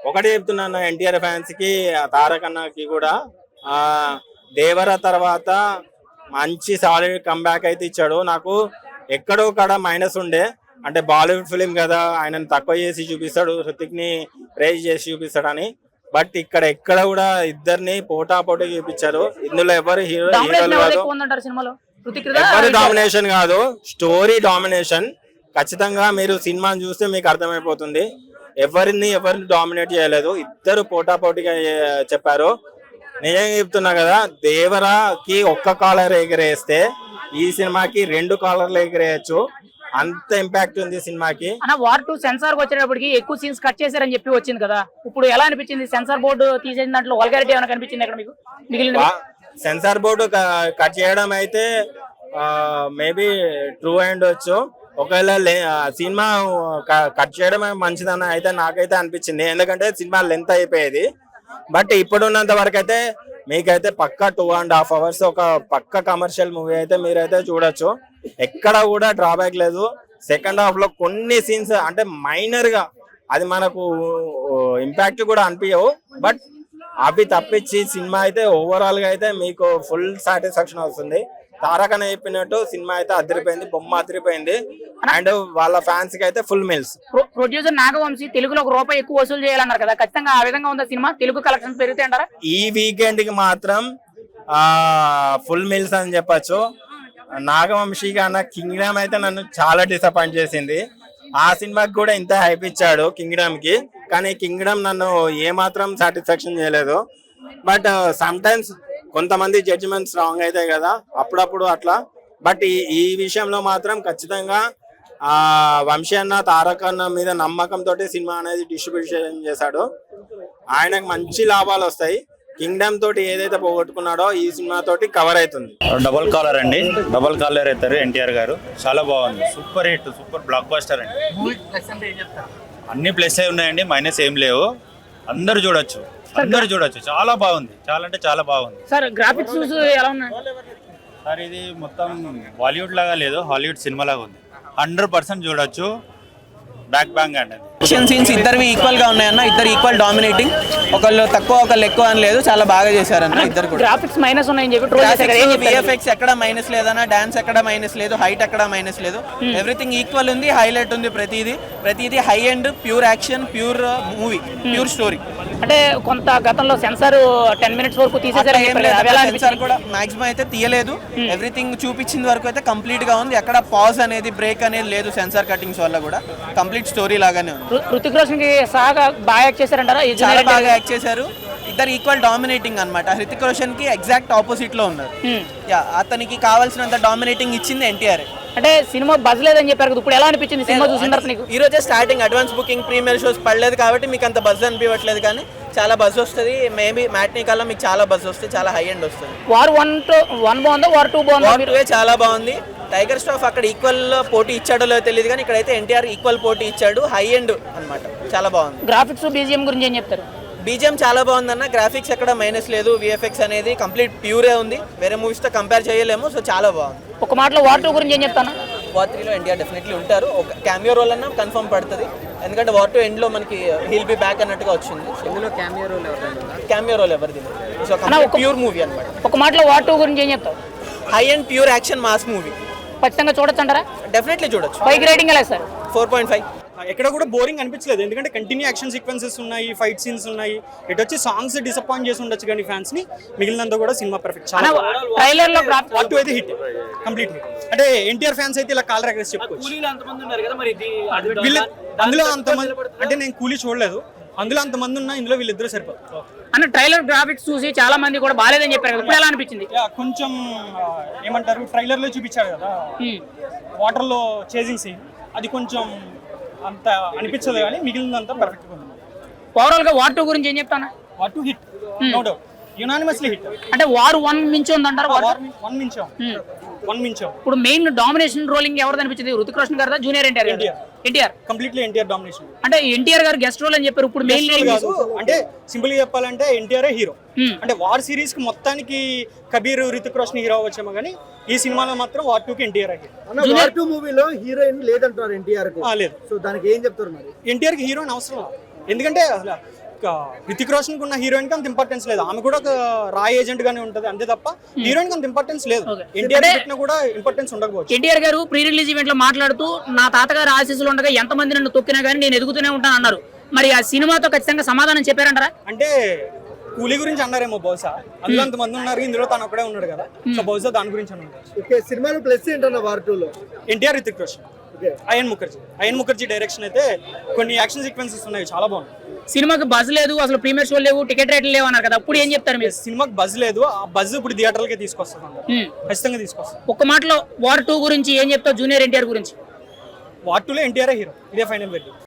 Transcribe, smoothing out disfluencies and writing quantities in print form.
ఒకటి చెప్తున్నాను ఎన్టీఆర్ ఫ్యాన్స్ కి, తారక్ అన్నకి కూడా, ఆ దేవర తర్వాత మంచి సాలిడ్ కంబ్యాక్ అయితే ఇచ్చాడు. నాకు ఎక్కడో కాడ మైనస్ ఉండే, అంటే బాలీవుడ్ ఫిలిం కదా, ఆయనను తక్కువ చేసి చూపిస్తాడు, హృతిక్ ని ప్రైజ్ చేసి చూపిస్తాడని. బట్ ఇక్కడ ఎక్కడ కూడా ఇద్దరిని పోటాపోటీ చూపించారు. ఇందులో ఎవరు హీరోలు కాదు, ఎవరు డామినేషన్ కాదు, స్టోరీ డామినేషన్. ఖచ్చితంగా మీరు సినిమాని చూస్తే మీకు అర్థమైపోతుంది. ఎవరిని డామినేట్ చేయలేదు, ఇద్దరు పోటాపోటీగా చెప్పారు. నిజంగా చెప్తున్నా కదా, దేవరాకి ఒక్క కాలర్ ఎగిరేస్తే ఈ సినిమాకి 2 కాలర్లు ఎగిరేయచ్చు, అంత ఇంపాక్ట్ ఉంది సినిమాకి. వార్ 2 సెన్సార్ వచ్చేటప్పటికి ఎక్కువ సీన్స్ కట్ చేశారని చెప్పి వచ్చింది కదా, ఇప్పుడు ఎలా అనిపించింది? సెన్సార్ బోర్డు తీసేసిన దాంట్లో వల్గారిటీ ఏమైనా కనిపించింది అక్కడ మీకు? మిగిలిన సెన్సార్ బోర్డు కట్ చేయడం అయితే మేబీ ట్రూ అయ్యుండొచ్చు. ఒకవేళ సినిమా కట్ చేయడం మంచిదని అయితే నాకైతే అనిపించింది, ఎందుకంటే సినిమా లెంత్ అయిపోయేది. బట్ ఇప్పుడున్నంత వరకు అయితే మీకైతే పక్కా 2.5 hours ఒక పక్క కమర్షియల్ మూవీ అయితే మీరైతే చూడొచ్చు. ఎక్కడ కూడా డ్రాబ్యాక్ లేదు. సెకండ్ హాఫ్ లో కొన్ని సీన్స్ అంటే మైనర్ గా అది మనకు ఇంపాక్ట్ కూడా అనిపించవు, బట్ అవి తప్పించి సినిమా అయితే ఓవరాల్ గా అయితే మీకు ఫుల్ సాటిస్ఫాక్షన్ వస్తుంది. తారక్ అని చెప్పినట్టు సినిమా అయితే అదిరిపోయింది, బొమ్మ అదిరిపోయింది, అండ్ వాళ్ళ ఫ్యాన్స్ కి అయితే ఫుల్ మిల్స్. ప్రొడ్యూసర్ నాగవంశీ తెలుగులో ₹1 ఎక్కువ వసూలు చేయాలన్నారు కదా, ఖచ్చితంగా ఆ విధంగా ఉందా సినిమా? తెలుగు కలెక్షన్ పెరుగుతాయి అంటారా? ఈ వీకెండ్ కి మాత్రం ఫుల్ మిల్స్ అని చెప్పచ్చు. నాగవంశీ అన్న కింగ్డమ్ అయితే నన్ను చాలా డిసప్పాయింట్ చేసింది. ఆ సినిమాకి కూడా ఇంత హైప్ ఇచ్చాడు కింగ్డమ్ కి, కానీ కింగ్డమ్ నన్ను ఏమాత్రం సాటిస్ఫాక్షన్ చేయలేదు. బట్ సమ్ టైమ్స్ కొంతమంది జడ్జిమెంట్స్ రాంగ్ అవుతాయి కదా, అప్పుడప్పుడు అట్లా. బట్ ఈ విషయంలో మాత్రం ఖచ్చితంగా వంశీ అన్న, తారక్ అన్న మీద నమ్మకంతో సినిమా అనేది డిస్ట్రిబ్యూషన్ చేశాడు. ఆయనకు మంచి లాభాలు వస్తాయి. కింగ్డమ్ తోటి ఏదైతే పోగొట్టుకున్నాడో ఈ సినిమా తోటి కవర్ అవుతుంది. డబల్ కాలర్ అండి, డబల్ కాలర్ అవుతారు ఎన్టీఆర్ గారు. చాలా బాగుంది, super hit, super blockbuster అండి. అన్ని ప్లస్ అయి ఉన్నాయండి, మైనస్ ఏం లేవు. అందరు చూడొచ్చు, చాలా బాగుంది, చాలా అంటే చాలా బాగుంది. సార్ గ్రాఫిక్స్ ఎలా ఉన్నాయి సార్? ఇది మొత్తం బాలీవుడ్ లాగా లేదు, హాలీవుడ్ సినిమా లాగా ఉంది. 100% చూడొచ్చు. బ్యాక్ బ్యాంగ్ అండి. యాక్షన్ సీన్స్ ఇద్దరివి ఈక్వల్ గా ఉన్నాయన్న, ఇద్దరు ఈక్వల్ డామినేటింగ్, ఒకళ్ళు తక్కువ ఒకళ్ళు ఎక్కువ అని లేదు, చాలా బాగా చేశారన్న ఇద్దరు కూడా. గ్రాఫిక్స్ మైనస్ ఉన్నాయని చెప్పి విఎఫ్ఎక్స్ ఎక్కడ మైనస్ లేదన్న, డాన్స్ ఎక్కడ మైనస్ లేదు, హైట్ ఎక్కడ మైనస్ లేదు, ఎవ్రీథింగ్ ఈక్వల్ ఉంది, హైలైట్ ఉంది. ప్రతిదీ high and pure action, pure movie, pure story. అంటే కొంత గతంలో సెన్సార్ 10 minutes వరకు తీసేసారు, సెన్సార్ కూడా మాక్సిమం అయితే తీయలేదు. ఎవ్రీథింగ్ చూపించిన వరకు అయితే కంప్లీట్ గా ఉంది, ఎక్కడ పాజ్ అనేది బ్రేక్ అనేది లేదు. సెన్సార్ కటింగ్స్ వల్ల కూడా కంప్లీట్ స్టోరీ లాగానే ఉంది. హృతిక్ రోషన్ కి సహా బాగా యాక్ట్ చేశారంటారా? చాలా బాగా యాక్ట్ చేశారు. ఇద్దరు ఈక్వల్ డామినేటింగ్ అన్నమాట. హృతిక్ రోషన్ కి ఎగ్జాక్ట్ ఆపోజిట్ లో ఉన్నారు. అతనికి కావాల్సినంత డామినేటింగ్ ఇచ్చింది ఎన్టీఆర్. అంటే సినిమా బజ్ లేదని చెప్పారు కదా, ఇప్పుడు ఎలా అనిపించింది సినిమా చూసిన తర్వాత నీకు? ఈ రోజే starting, advance booking, premiere shows పడలేదు కాబట్టి మీకు అంత బజ్ అనిపించట్లేదు, కానీ చాలా బజ్ వస్తుంది. మేబీ మ్యాట్నీ కల్లా మీకు చాలా బజ్ వస్తుంది, చాలా హై ఎండ్ వస్తుంది. వార్ 1 బాగుందా, వార్ 2 బాగుందా? వార్ 2 చాలా బాగుంది. టైగర్ ష్రాఫ్ అక్కడ ఈక్వల్ పోటీ ఇచ్చాడో లేదో తెలియదు, కానీ ఇక్కడైతే ఎన్టీఆర్ ఈక్వల్ పోటీ ఇచ్చాడు. హై ఎండ్ అన్నమాట, చాలా బాగుంది. గ్రాఫిక్స్, బీజిఎం గురించి ఏం చెప్తారు? బీజిఎం చాలా బాగుందన్న, గ్రాఫిక్స్ ఎక్కడ మైనస్ లేదు, విఎఫ్ఎక్స్ అనేది కంప్లీట్ ప్యూరే ఉంది, వేరే మూవీస్ తో కంపేర్ చేయలేము. సో చాలా బాగుంది. ఒక మాటలో వార్ 2 గురించి ఏం చెప్తాను? వార్ 3లో ఎన్టీఆర్ డెఫినెట్లీ ఉంటారు. ఒక క్యామియో రోల్ అన్న కన్ఫర్మ్ పడుతుంది, ఎందుకంటే వార్ 2 ఎండ్ లో మనకి హీల్ బి బ్యాక్ అన్నట్టుగా వచ్చింది. ఇందులో క్యామియో రోల్ ఎవరిది? సో ప్యూర్ మూవీ అన్నమాట. ఒక మాటలో వార్ 2 గురించి ఏం చెప్తావు? High and pure action mass movie. ఖచ్చితంగా చూడొచ్చు అంటారా? డెఫినెట్లీ చూడొచ్చు. 5 రేటింగ్ ఎలా సార్? 4.5. ఎక్కడ కూడా బోరింగ్ అనిపించలేదు, ఎందుకంటే కంటిన్యూ యాక్షన్ సీక్వెన్సెస్ ఉన్నాయి, ఫైట్ సీన్స్ ఉన్నాయి. ఇటు వచ్చి సాంగ్స్ డిసప్పాయింట్ చేసి ఉండొచ్చు కానీ ఫ్యాన్స్ ని, మిగిలినంత కూడా సినిమా పర్ఫెక్ట్. ట్రైలర్ లో వార్ 2 అయితే హిట్, కంప్లీట్ హిట్. అంటే ఎన్టీఆర్ ఫ్యాన్స్ అయితే ఇలా కాల్ రెగ్రెస్ చెప్పుకోవచ్చు. అందులో అంతమంది అంటే నేను కూలీ చూడలేదు, అందులో అంతమంది ఉన్నా ఇందులో వీళ్ళిద్దరూ సరిపోతారు అన్న. ట్రైలర్ గ్రాఫిక్స్ చూసి చాలా మంది కూడా బాలేదని చెప్పారు కదా, ఎలా అనిపించింది? కొంచెం ఏమంటారు, ట్రైలర్ లో చూపించారు కదా వాటర్ లో చేసింగ్ సీన్, అది కొంచెం అంత అనిపించదు, కానీ మిగిలినంతా పర్ఫెక్ట్ గా ఉంది. ఓవరాల్ గా వార్ 2 గురించి ఏం చెప్తాను? War 2 hit, no doubt, unanimously hit. అంటే వార్ 1 మించి ఉందంటారు? వార్ 1 మించాం. ఇప్పుడు మెయిన్ డామినేషన్ రోలింగ్ ఎవరిది అనిపించింది? Hrithik Roshan garu, junior NTR? Completely NTR domination. అంటే ఎన్టీఆర్ గారు గెస్ట్ రోల్ అని చెప్పారు, ఇప్పుడు మెయిన్ కాదు. అంటే సింపుల్ గా చెప్పాలంటే ఎన్టీఆర్ హీరో. అంటే వార్ సిరీస్ కి మొత్తానికి కబీర్, హృతిక్ రోషన్ హీరో వచ్చేమో, కానీ ఈ సినిమాలో మాత్రం వార్ 2 కి ఎన్టీఆర్ హీరో. వార్ 2 మూవీలో హీరోయిన్ లేదంటారు ఎన్టీఆర్ కు. లేదు. సో దానికి ఏం చెప్తారు మరి? ఎన్టీఆర్ కి హీరోయిన్ అవసరం, ఎందుకంటే హృతిక్ రోషన్ ఉన్న హీరోయిన్ కి అంత ఇంపార్టెన్స్ లేదు. ఆమె కూడా ఒక రా ఏజెంట్ గానే ఉంటది అంతే తప్ప హీరోయిన్ కి అంత ఇంపార్టెన్స్ లేదు. ఎన్టీఆర్ పెట్టినా కూడా ఇంపార్టెన్స్ ఉండకపోవచ్చు. ఎన్టీఆర్ గారు ప్రీ రిలీజ్ ఈవెంట్ లో మాట్లాడుతూ నా తాతగారు ఆశీస్సులు ఉండగా ఎంతమంది నన్ను తొక్కినా కానీ నేను ఎదుగుతూనే ఉంటాను అన్నారు. మరి ఆ సినిమాతో ఖచ్చితంగా సమాధానం చెప్పారంటారా? అంటే కూలీ గురించి అన్నారేమో బహుశా, అందులో అంతమంది ఉన్నారు, ఇందులో తను ఒకడే ఉన్నాడు కదా, సో బహుశా దాని గురించి అన్నారు. ఓకే, సినిమాలో ప్లస్ ఏంటన్న వార్ 2 లో? ఎన్టీఆర్, హృతిక్ రోషన్, అయన్ ముఖర్జీ డైరెక్షన్ అయితే కొన్ని యాక్షన్ సీక్వెన్సెస్ ఉన్నాయి, చాలా బాగుంది. సినిమాకి బజ్ లేదు, అసలు ప్రీమియర్ షో లేవు, టికెట్ రేట్లు లేవు అన్నారు కదా, ఇప్పుడు ఏం చెప్తారు మీరు? సినిమాకి బజ్ లేదు, ఆ బజ్ ఇప్పుడు థియేటర్లకే తీసుకొస్తాం, ఖచ్చితంగా తీసుకొస్తాం. ఒక్క మాటలో వార్ 2 గురించి ఏం చెప్తావు? జూనియర్ ఎన్టీఆర్ గురించి? వార్ 2లో ఎన్టీఆర్ హీరో, ఇదే ఫైనల్ వెరీ.